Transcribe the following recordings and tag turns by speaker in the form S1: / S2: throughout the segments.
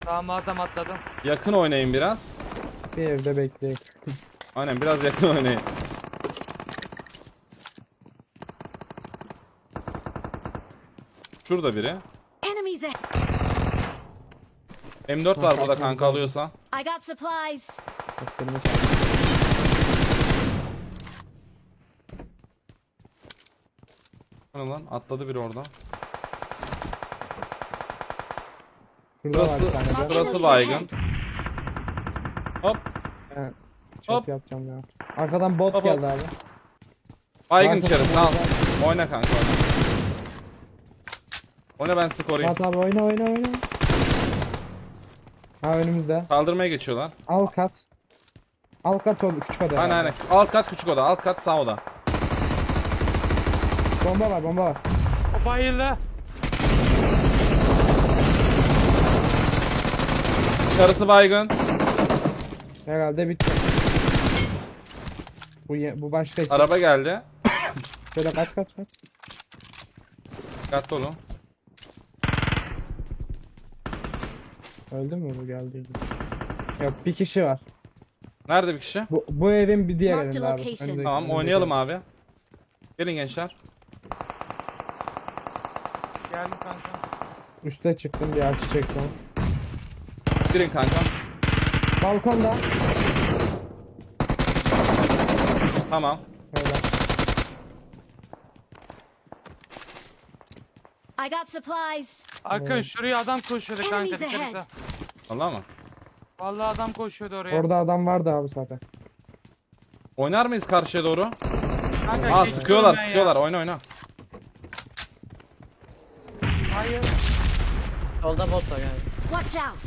S1: Tamam adam atladım.
S2: Yakın oynayın biraz.
S3: Bir evde bekleyin.
S2: Aynen biraz yakın oynayın. Şurada biri.
S4: Enemies ahead.
S2: M4 var burada kanka alıyorsa.
S4: I got supplies.
S3: Bak benim hiç-
S2: Hani lan atladı biri oradan.
S3: Şurada var bir
S2: Burası-
S3: tane de.
S2: Burası
S4: Enemies
S2: baygın.
S4: ahead.
S2: Hop.
S3: Evet,
S2: Hop.
S3: çok yapacağım ya. Arkadan bot
S2: Hop,
S3: geldi abi.
S2: Baygın
S3: Kanka,
S2: içeri
S3: tamam,
S2: al. Oyna kanka oyna. Oyna ben sizi koruyayım.
S3: Fuat abi oyna. Ha önümüzde.
S2: Kaldırmaya geçiyorlar.
S3: Al kat. Al kat oldu küçük oda.
S2: Aynen
S3: herhalde.
S2: aynen. Alt kat küçük oda. Alt kat sağ oda.
S3: Bomba var.
S1: O bayıldı.
S2: Karısı baygın.
S3: Herhalde bitti. Bu başka ekip.
S2: Araba geldi.
S3: Şöyle kaç.
S2: Dikkatli olun.
S3: Öldü mü bu geldi? Yok bir kişi var.
S2: Nerede bir kişi?
S3: Bu evin bir diğer
S4: Marked
S3: evinde abi.
S4: location.
S3: Önündeki-
S2: Tamam
S3: önündeki
S2: oynayalım
S3: ev.
S2: abi. Gelin gençler.
S1: Geldim kanka.
S3: Üste çıktım bir açı çektim.
S2: Girin kanka.
S3: Balkonda.
S2: Tamam.
S3: Öyle.
S4: I got supplies.
S1: Akın şuraya adam koşuyordu kanka.
S4: Enemies
S1: Dikkat
S4: ahead.
S1: et.
S2: Allah mı?
S1: Vallahi adam koşuyordu oraya.
S3: Orada adam vardı abi zaten.
S2: Oynar mıyız karşıya doğru?
S1: Kanka,
S2: Aa
S1: geçiyorum
S2: sıkıyorlar
S1: ben ya.
S2: sıkıyorlar. Oyna.
S1: Hayır.
S5: Solda bot var yani.
S4: Watch out.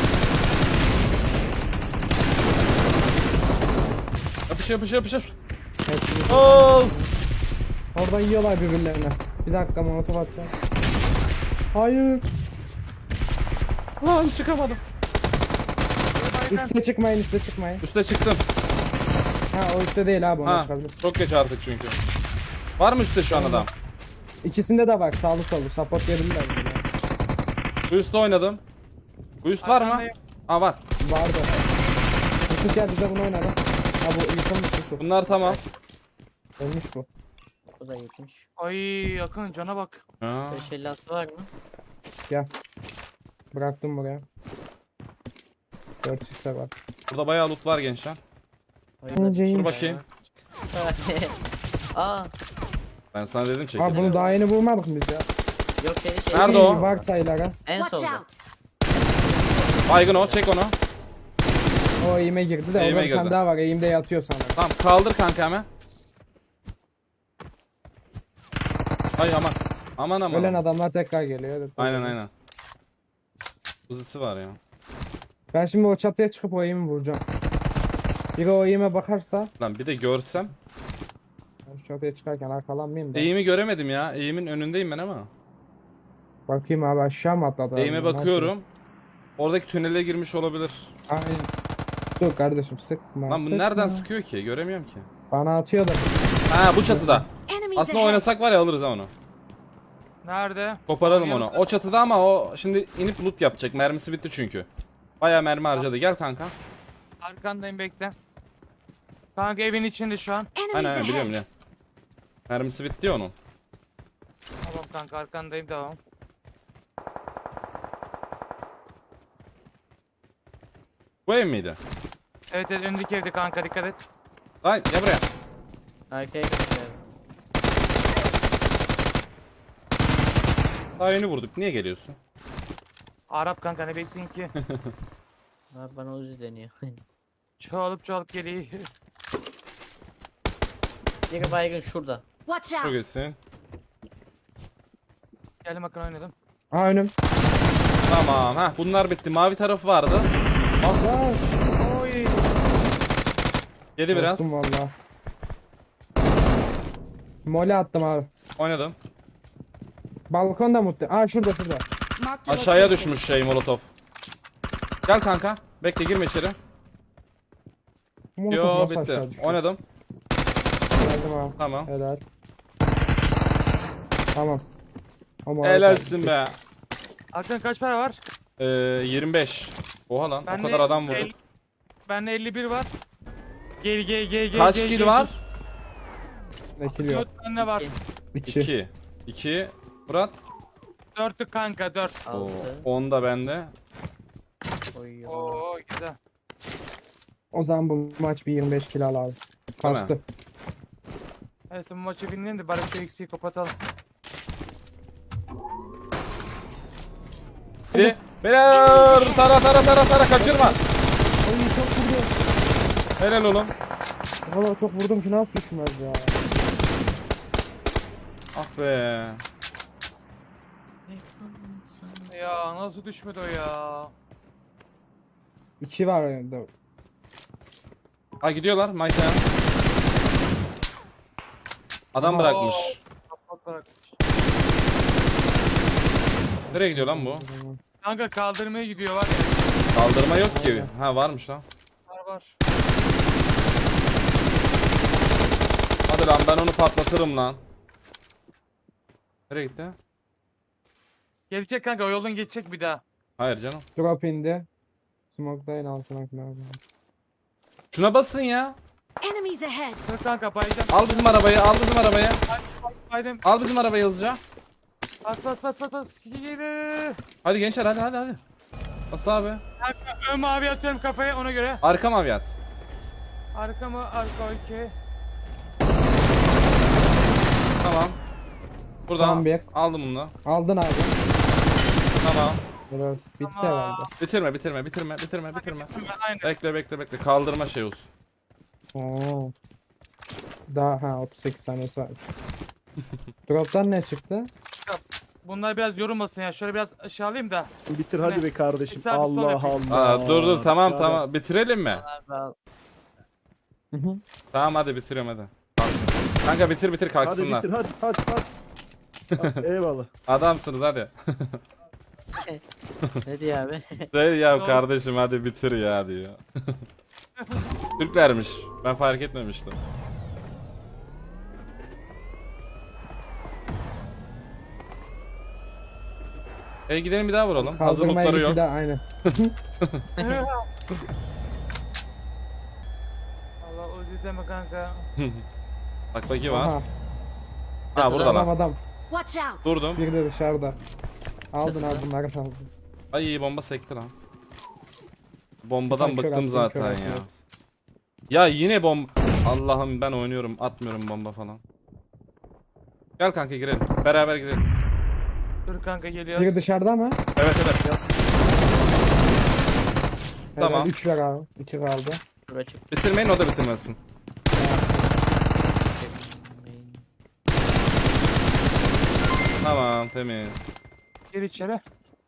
S2: Yapışır.
S3: Hepsini-
S2: Of.
S3: Orada yiyorlar birbirlerine. Bir dakika molotof atacağım. Hayır.
S2: Lan çıkamadım.
S3: Üste çıkmayın.
S2: Üste çıktım.
S3: Ha o üstte değil abi ona
S2: Ha,
S3: çıkabilir.
S2: çok geç artık çünkü. Var mı üstte şu an adam?
S3: İkisinde de bak sağlı sollu support verirler bize.
S2: Bu üstte oynadım. Bu üst var mı?
S1: Arkandayım.
S2: Ha var.
S3: Vardı. Yusuf gel bize bunu oynadı. Ha bu yıkılmış Yusuf.
S2: Bunlar tamam.
S3: Ölmüş bu.
S5: Bu da yetmiş.
S1: Ay Akın cana bak.
S2: Ha.
S5: 556 var mı?
S3: Gel. Bıraktım buraya. 4 x'e var.
S2: Burada bayağı loot var gençler.
S3: İnce
S2: Dur bakayım.
S5: Aa,
S2: Ben sana dedim
S3: Abi
S2: çekil.
S3: bunu daha yeni vurmadık mı biz ya?
S5: yok şey.
S2: Nerede o?
S3: Var sayılara.
S5: En
S4: Watch
S5: solda.
S4: out.
S2: Baygın o, çek onu.
S3: O eğime girdi de
S2: Eğime
S3: orada bir tane
S2: girdi.
S3: daha var. Eğimde yatıyor sana.
S2: Tamam kaldır kanka hemen. Ay aman. Aman.
S3: Ölen adamlar tekrar geliyor. Evet,
S2: Aynen. Uzisi var ya.
S3: Ben şimdi o çatıya çıkıp o eğimi vuracağım. Biri o eğime bakarsa
S2: Lan bir de görsem.
S3: ben şu çatıya çıkarken arkalanmayayım da.
S2: Eğimi göremedim ya. Eğimin önündeyim ben ama.
S3: Bakayım abi aşağı mı atladı?
S2: Eğime
S3: adam? Ne
S2: bakıyorum. Oradaki tünele girmiş olabilir.
S3: yapıyor? Aynen. Dur kardeşim sıkma.
S2: Lan bu
S3: sıkma.
S2: nereden sıkıyor ki? Göremiyorum ki.
S3: Bana atıyor da.
S2: Ha bu çatıda.
S4: Enemies
S2: Aslında
S4: ahead.
S2: oynasak var ya alırız ha onu.
S1: Nerede?
S2: Koparalım onu.
S1: Oynayalım.
S2: O çatıda ama o şimdi inip loot yapacak. Mermisi bitti çünkü. Bayağı mermi harcadı. Gel kanka.
S1: Arkandayım bekle. Kanka evin içinde şu an.
S4: Enemies
S2: Aynen biliyorum
S4: ahead.
S2: biliyorum. Mermisi bitti ya onun.
S1: Tamam kanka arkandayım devam.
S2: Bu ev miydi?
S1: Evet öndeki evde kanka dikkat et.
S2: Lan gel buraya.
S5: Arkaya gidiyor.
S2: Daha yeni vurduk. Niye geliyorsun?
S1: Arap kanka ne bekleyin ki?
S5: Abi bana Uzi deniyor.
S1: Çoğalıp geliyor.
S5: Biri baygın şurada.
S4: Watch
S2: Çok
S4: out.
S2: iyisin.
S1: Geldim Akın oynadım.
S3: Aa önüm.
S2: Tamam. Ha bunlar bitti. Mavi tarafı vardı.
S3: Allah.
S1: Oy.
S2: Yedi biraz.
S3: Korktum valla. Mole attım abi.
S2: Oynadım.
S3: Balkonda mutlu. Aa şurada.
S4: Marked a
S2: Aşağıya
S4: location.
S2: düşmüş şey molotof. Gel kanka. Bekle girme içeri.
S3: Molotof
S2: Yo
S3: nasıl
S2: bitti.
S3: aşağı düşüyor?
S2: Oynadım.
S3: Geldim abi.
S2: Tamam.
S3: Helal. Tamam. O molotof.
S2: Helalsin be.
S1: Akın kaç para var?
S2: 25. Oha lan o
S1: Bende
S2: kadar adam vurduk.
S1: Bende 51 var. Gel.
S2: Kaç
S1: gel,
S2: kill
S1: gel.
S2: var?
S3: Ne kill yok.
S1: 4 tane var.
S3: 2.
S2: 2. 2. Murat.
S1: 4'lük kanka 4.
S2: Oo,
S5: 6.
S2: 10 da bende.
S5: Oy.
S1: Oo güzel.
S3: O zaman bu maç bir 25 kill al abi.
S2: Değil mi?
S3: Kastı.
S1: Neyse bu maçı binelim de bari şu eksiği kapatalım.
S2: Hadi. Beyler tara kaçırma.
S3: Ay çok vurdum.
S2: Helal oğlum.
S3: Valla çok vurdum ki nasıl düşmez ya.
S2: Ah be.
S1: Ya nasıl düşmedi o ya?
S3: 2 var önünde.
S2: Ha gidiyorlar Mike'a. Adam bırakmış.
S1: Kapat bırak.
S2: Nereye gidiyor lan bu?
S1: Kanka kaldırmaya gidiyor var ya.
S2: Kaldırma yok ki. Ha varmış lan.
S1: Var.
S2: Hadi lan ben onu patlatırım lan. Nereye gitti?
S1: Gelecek kanka o yoldan geçecek bir daha.
S2: Hayır canım.
S3: Drop indi. Smoke'dayın altına falan.
S2: Şuna basın ya.
S4: Enemies ahead.
S1: Dur kanka bayacağım.
S2: Al bizim arabayı, al bizim arabayı.
S1: Baydım.
S2: Al bizim arabayı hızlıca.
S1: Bas. Geri.
S2: Hadi gençler hadi. Bas abi.
S1: Kanka ön mavi atıyorum kafaya ona göre.
S2: Arka maviyat.
S1: Arka mı? Arka okey.
S2: Tamam. Buradan
S3: Tamam, bir.
S2: aldım bunu da.
S3: Aldın abi.
S2: Tamam.
S3: Biraz bitti
S1: Tamam.
S3: herhalde.
S2: Bitirme.
S1: Aynen.
S2: Bekle. Kaldırma şey olsun.
S3: Oo. Daha 38 saniyesi var. Drop'tan ne çıktı?
S1: Bunlar biraz yorulmasın ya. Şöyle biraz aşağı alayım da.
S6: Bitir hadi be kardeşim.
S1: Bir sağ, bir sol
S6: Allah
S1: yapayım.
S6: Allah.
S2: Aa, dur tamam
S6: Ya
S2: tamam. Bitirelim mi?
S3: Hı hı.
S2: Tamam hadi bitiriyorum hadi. Kanka bitir
S6: Hadi
S2: kalksınlar.
S6: bitir hadi. Hadi, eyvallah.
S2: Adamsınız hadi.
S5: Ne diyor abi?
S2: Şey ya
S1: Doğru.
S2: kardeşim hadi bitir ya diyor. Türklermiş. Ben fark etmemiştim. Gidelim bir daha vuralım. Hazır
S3: Kaldırmaya
S2: lootları yok.
S3: gitti de aynen.
S1: Allah özür deme kanka.
S2: Bak bakayım ha.
S3: Aha.
S2: Ha burada
S3: Adam
S2: lan.
S3: adam.
S4: Watch out.
S2: Durdum.
S3: Bir de dışarıda. Aldın
S5: Çatıda.
S3: aldın Narat aldın.
S2: Ay bomba sekti lan. Bombadan
S3: Kör
S2: bıktım
S3: attın,
S2: zaten
S3: kör
S2: ya.
S3: attın.
S2: Ya yine bomba. Allah'ım ben oynuyorum atmıyorum bomba falan. Gel kanka girelim. Beraber girelim.
S1: Dur kanka geliyoruz.
S3: Biri dışarıda mı?
S2: Evet. Tamam.
S3: Tamam. 3 ver abi. 2 kaldı.
S5: Dur açık.
S2: Bitirmeyin o da bitirmesin. Tamam temiz.
S1: Gir içeri.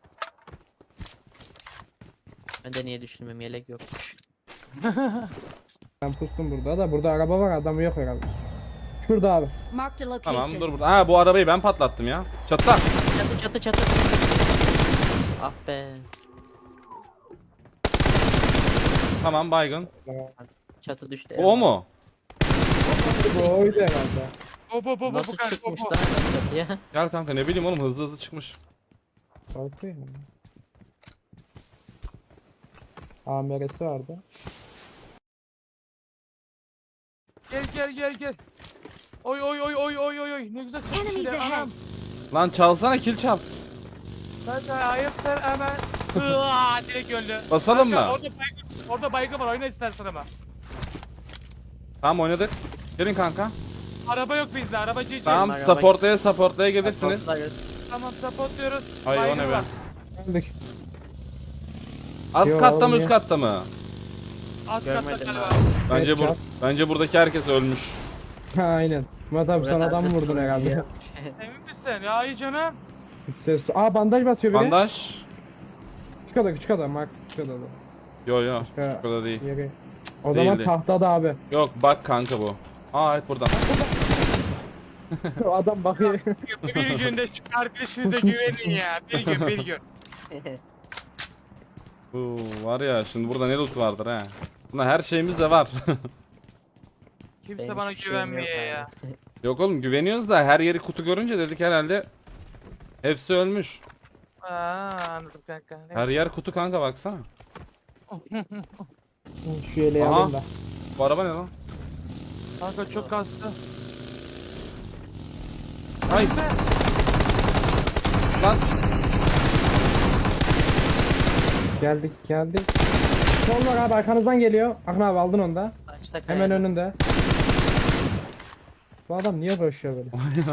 S5: Ben de niye düşünmem yelek yokmuş.
S3: Ben pustum burada da. Burada araba var, adamı yok herhalde. Şurada abi.
S4: Marked a
S2: Tamam
S4: location.
S2: dur burada. Ha bu arabayı ben patlattım ya. Çatta.
S5: Çatı. Ah be.
S2: Tamam baygın.
S5: Çatı düştü.
S2: O mu?
S3: Bu oydu herhalde.
S1: Bu
S5: Nasıl
S1: kanka,
S5: çıkmış
S1: bu.
S5: lan çatıya?
S2: Gel kanka ne bileyim oğlum hızlı çıkmış.
S3: Korkuyor yani. AMR'si vardı.
S1: Gel. Oy. Ne güzel çıkmış
S4: Enemies
S1: yine, anam.
S4: ahead.
S2: Lan çalsana kill çal.
S1: Kanka ayıp sen hemen. Hıaa direkt öldü.
S2: Basalım
S1: Kanka,
S2: mı?
S1: Orada baygın var oyna istersen ama.
S2: Tamam oynadık. Gelin kanka.
S1: Araba yok bizde araba GG.
S2: Tamam
S5: Araba-
S2: supportlaya gelirsiniz.
S1: Tamam support
S2: Ay o
S1: Baygın
S2: ne be?
S1: var.
S3: Geldik.
S2: Alt
S3: Yo,
S2: katta mı
S3: olmuyor.
S2: üst katta mı?
S1: Alt katta
S5: Görmedim
S1: galiba.
S2: Bence
S3: Evet,
S2: bence buradaki herkes ölmüş.
S3: Ha aynen. Murat abi sen adam vurdun herhalde.
S1: Emin misin? Ya iyi canım.
S3: Hiç ses. Aa bandaj basıyor biri.
S2: Bandaj.
S3: Küçük adam. Mark küçük adam.
S2: Yo.
S3: Ha.
S2: Bu kadar değil.
S3: Yeri. O zaman
S2: Değildi.
S3: tahtada abi.
S2: Yok bak kanka bu. Aa evet burada.
S3: O adam bakıyor.
S1: Bir günde şu arkadaşınıza güvenin ya. Bir gün.
S2: Var ya şimdi burada ne loot vardır ha. Bunda her şeyimiz de var.
S1: Kimse
S5: Benim
S1: bana
S5: hiçbir şeyim yok
S1: güvenmiyor
S5: abi.
S1: ya.
S2: Yok oğlum güveniyoruz da her yeri kutu görünce dedik herhalde hepsi ölmüş.
S1: Anladım kanka. Neyse.
S2: Her yer kutu kanka baksana.
S3: Şu yeleği
S2: Aha.
S3: alayım da.
S2: Bu araba ne lan?
S1: Kanka çok kastı.
S2: Ay. Lan.
S3: Geldik geldik. Sol var abi, arkanızdan geliyor. Akın abi aldın onu da.
S5: Açta
S3: Hemen
S5: kayada.
S3: önünde. Bu adam niye koşuyor böyle?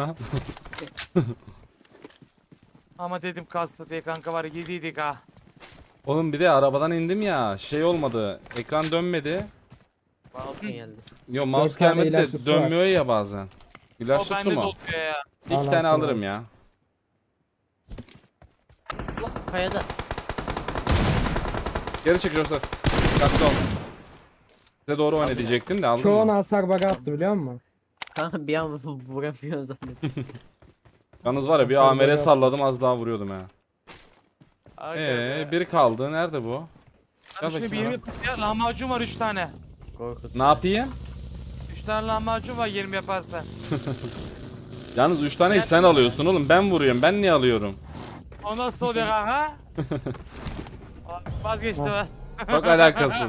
S1: Ama dedim kastı diye kanka var ya, yediydik ha.
S2: Oğlum bir de arabadan indim ya. Şey olmadı. Ekran dönmedi.
S5: Mouse mu geldi?
S2: Yo mouse
S3: Dört tane
S2: gelmedi
S3: ilaçlı
S2: de
S3: su
S2: dönmüyor ya bazen.
S1: O
S2: İlaçlı su
S1: bende de
S2: mu?
S1: oluyor ya.
S2: İki
S3: Al,
S2: tane
S3: al,
S2: alırım
S3: al.
S2: ya.
S5: Allah kayada.
S2: Geri çık Joshua. Dikkatli ol. Size doğru oyna diyecektim de aldım
S3: Çoğunu
S2: mı?
S3: hasar bug'a attı biliyor musun?
S5: Kanka bir an vuramıyorum zannettim.
S2: Yalnız var ya bir
S3: Sonra
S2: amere
S3: böyle-
S2: salladım az daha vuruyordum ha.
S1: Aga be.
S2: Biri kaldı. Nerede bu?
S1: Hani şimdi bir 20 ya, lahmacun var 3 tane.
S5: Korkut.
S2: Ne yapayım?
S1: 3 tane lahmacun var 20 yaparsan.
S2: Yalnız 3 taneyi sen alıyorsun oğlum. Ben vuruyorum. Ben niye alıyorum?
S1: O nasıl oluyor kanka? Vazgeçtim ben.
S2: Çok alakasız.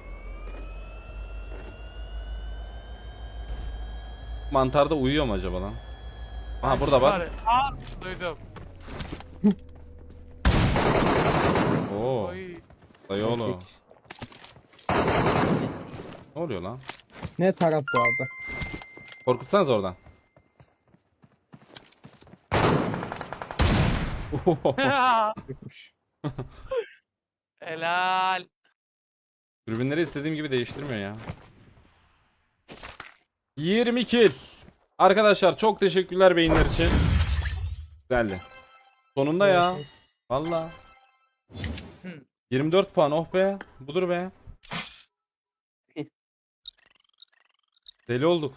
S2: Mantarda uyuyor mu acaba lan? Aha burada bak.
S1: Aa duydum.
S2: Oo.
S1: Oy.
S2: Dayı oğlum. Ne oluyor lan?
S3: Ne taraf bu arada?
S2: Korkutsanız oradan.
S3: Yıkmış.
S1: Helal.
S2: Dürbünleri istediğim gibi değiştirmiyor ya. 20 kill. Arkadaşlar çok teşekkürler beyinler için. Güzeldi. Sonunda ya. Valla. 24 puan oh be. Budur be. Deli olduk.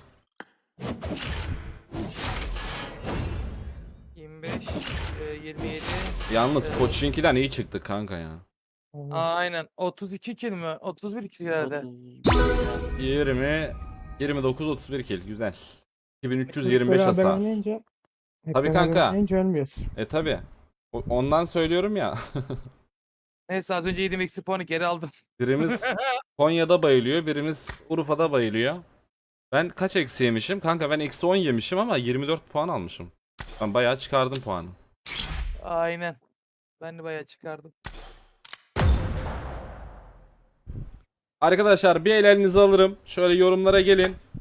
S1: 25, 27.
S2: Yalnız Koçinki'den iyi çıktı kanka ya.
S1: Aynen. 32 kill mi? 31 kill herhalde.
S2: 20 29 31 kill güzel.
S3: Biz
S2: 2325
S3: beraber
S2: hasar.
S3: oynayınca- hep
S2: Tabii
S3: beraber
S2: kanka.
S3: oynayınca ölmüyoruz.
S2: Tabi. Ondan söylüyorum ya.
S1: Neyse az önce 7 eksi puanı geri aldım.
S2: Birimiz Konya'da bayılıyor, birimiz Urfa'da bayılıyor. Ben kaç eksi yemişim? Kanka ben eksi 10 yemişim ama 24 puan almışım. Ben bayağı çıkardım puanı.
S1: Aynen. Ben de bayağı çıkardım.
S2: Arkadaşlar bir el elinize alırım. Şöyle yorumlara gelin.